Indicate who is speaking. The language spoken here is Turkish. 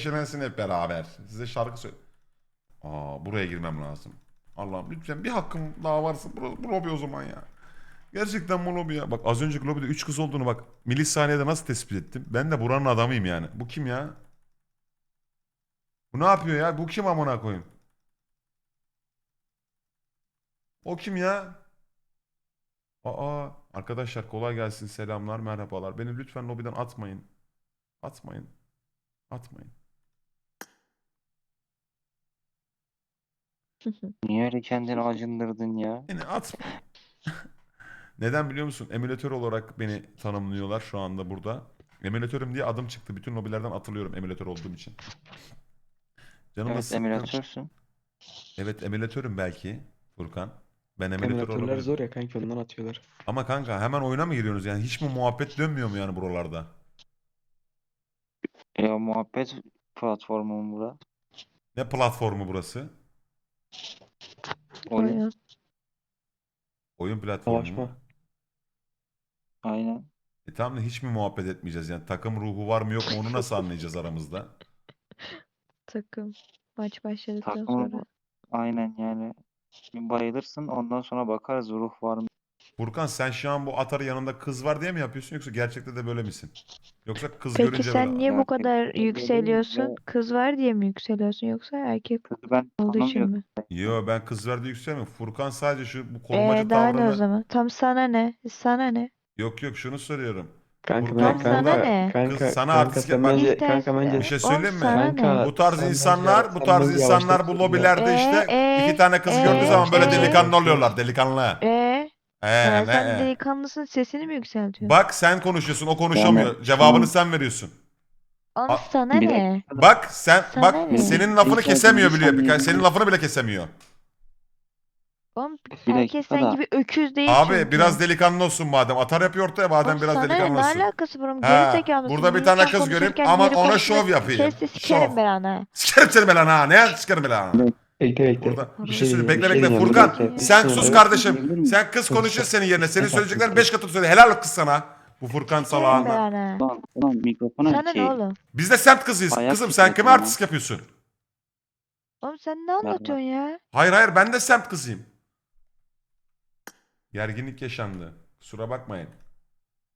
Speaker 1: neşelensin hep beraber. Size şarkı söyle. Buraya girmem lazım. Allah'ım lütfen bir hakkım daha varsa bu lobi o zaman ya. Gerçekten bu lobi ya. Bak az önceki lobide 3 kız olduğunu bak milisaniyede nasıl tespit ettim. Ben de buranın adamıyım yani. Bu kim ya? Bu ne yapıyor ya? Bu kim amına koyayım? O kim ya? Arkadaşlar kolay gelsin, selamlar, merhabalar. Beni lütfen lobiden atmayın. Atmayın. Atmayın.
Speaker 2: Niye öyle kendini acındırdın ya?
Speaker 1: Beni atmayın. Neden biliyor musun? Emülatör olarak beni tanımlıyorlar şu anda burada. Emülatörüm diye adım çıktı. Bütün lobilerden atılıyorum emülatör olduğum için. Canım da
Speaker 2: Evet,
Speaker 1: sıkkın.
Speaker 2: emülatörsün.
Speaker 1: Evet emülatörüm belki Furkan. Ben emülatör
Speaker 3: Emülatörler
Speaker 1: olabilirim.
Speaker 3: zor ya kanki, ondan atıyorlar.
Speaker 1: Ama kanka hemen oyuna mı giriyorsunuz? Yani hiç mi muhabbet dönmüyor mu yani buralarda?
Speaker 2: Ya muhabbet platformu mu bura?
Speaker 1: Ne platformu burası?
Speaker 2: Oyun.
Speaker 4: Oyun.
Speaker 1: Oyun platformu mu?
Speaker 3: Savaşma.
Speaker 2: Aynen.
Speaker 1: Tamam da hiç mi muhabbet etmeyeceğiz? Yani takım ruhu var mı yok mu onu nasıl anlayacağız aramızda?
Speaker 4: Takım. Maç başladıktan
Speaker 2: Takımı
Speaker 4: sonra.
Speaker 2: aynen yani. Bir bayılırsın, ondan sonra bakarız ruh var mı?
Speaker 1: Furkan sen şu an bu atarı yanında kız var diye mi yapıyorsun yoksa gerçekte de böyle misin? Yoksa kız
Speaker 4: Peki
Speaker 1: görünce böyle...
Speaker 4: sen niye bu kadar
Speaker 2: Gerçekten böyleyim
Speaker 4: yükseliyorsun?
Speaker 2: ve
Speaker 4: Kız var diye mi yükseliyorsun yoksa erkek
Speaker 2: kızı ben
Speaker 4: olduğu için
Speaker 2: tanımıyorum.
Speaker 4: mi?
Speaker 1: Yo ben kız var diye yükselmiyorum. Furkan sadece şu bu korumacı
Speaker 4: Daha ne o
Speaker 1: tavrını...
Speaker 4: zaman? Tam sana ne? Sana ne?
Speaker 1: Yok yok şunu soruyorum.
Speaker 3: Kanka
Speaker 4: Tam
Speaker 1: Furkan
Speaker 4: sana
Speaker 1: burada
Speaker 4: ne?
Speaker 1: kız sana
Speaker 3: kanka
Speaker 1: artist
Speaker 3: sen
Speaker 1: yapmak...
Speaker 3: bence
Speaker 4: İstersen.
Speaker 1: Bir şey
Speaker 4: Oğlum
Speaker 1: söyleyeyim mi?
Speaker 4: sana ne?
Speaker 3: kanka
Speaker 1: Bu tarz
Speaker 3: sen
Speaker 1: insanlar,
Speaker 3: bence
Speaker 1: bu tarz
Speaker 3: bence
Speaker 1: insanlar bu
Speaker 3: yavaşlatıyorsun ya.
Speaker 1: lobilerde işte iki tane kız gördüğü zaman böyle delikanlı oluyorlar, delikanlı.
Speaker 4: Yani sen
Speaker 1: Ne?
Speaker 4: delikanlısın, sesini mi yükseltiyorsun?
Speaker 1: Bak sen konuşuyorsun, o
Speaker 2: Yani
Speaker 1: konuşamıyor. Cevabını
Speaker 2: tamam,
Speaker 1: sen veriyorsun.
Speaker 4: Oğlum
Speaker 1: A-
Speaker 4: sana
Speaker 2: bir
Speaker 4: ne?
Speaker 2: dakika da
Speaker 1: Bak sen
Speaker 4: Sana
Speaker 1: bak
Speaker 4: ne?
Speaker 1: senin lafını
Speaker 2: Rica
Speaker 1: kesemiyor
Speaker 2: bir
Speaker 1: biliyor.
Speaker 2: saniye.
Speaker 1: Senin lafını bile kesemiyor.
Speaker 4: Oğlum
Speaker 2: Bir
Speaker 4: herkes
Speaker 2: dakika
Speaker 4: sen
Speaker 2: da
Speaker 4: gibi öküz değil
Speaker 1: Abi
Speaker 4: çünkü.
Speaker 1: biraz delikanlı olsun madem. Atar yapıyor ortaya
Speaker 4: Oğlum
Speaker 1: madem biraz
Speaker 4: sana ne?
Speaker 1: delikanlı
Speaker 4: Ne
Speaker 1: olsun.
Speaker 4: alakası var oğlum?
Speaker 1: Ha,
Speaker 4: Gerizekalı mısın?
Speaker 1: burada bir
Speaker 4: Bir
Speaker 1: tane
Speaker 4: insan
Speaker 1: kız göreyim
Speaker 4: konuşurken
Speaker 1: aman
Speaker 4: diğeri
Speaker 1: ona
Speaker 4: konuştuğunda
Speaker 1: şov yapayım.
Speaker 4: kes de
Speaker 1: Şov.
Speaker 4: sikerim ben ana.
Speaker 1: Sikerim seni ben ha. Ne sikerim ben ha.
Speaker 3: Bekle.
Speaker 1: Burada bir şey
Speaker 4: Orası
Speaker 1: söyle.
Speaker 3: diyeceğim,
Speaker 1: Bekle
Speaker 3: bir şey
Speaker 1: bekle.
Speaker 3: diyeceğim, bir
Speaker 1: Furkan
Speaker 3: dakika.
Speaker 1: sen
Speaker 3: Bir
Speaker 1: sus
Speaker 3: saniye.
Speaker 1: kardeşim.
Speaker 2: Diyebilir miyim?
Speaker 1: Sen kız
Speaker 3: Sus,
Speaker 1: konuşuyor
Speaker 3: sus.
Speaker 1: senin yerine. Senin
Speaker 3: Sus artık,
Speaker 1: söyleyeceklerin
Speaker 3: sus.
Speaker 1: 5 katı söyle. Helal kız sana. Bu Furkan
Speaker 4: Sikerim ben
Speaker 1: salağına.
Speaker 4: ana.
Speaker 2: Ulan mikrofona
Speaker 4: Sana ne oğlum?
Speaker 1: Biz de semt kızıyız.
Speaker 2: Ayak
Speaker 1: Kızım sen kime
Speaker 2: titretiyor lan.
Speaker 1: artist yapıyorsun?
Speaker 4: Oğlum sen ne
Speaker 2: Ver
Speaker 4: anlatıyorsun ya?
Speaker 1: Hayır ben de semt kızıyım. Gerginlik yaşandı. Kusura bakmayın.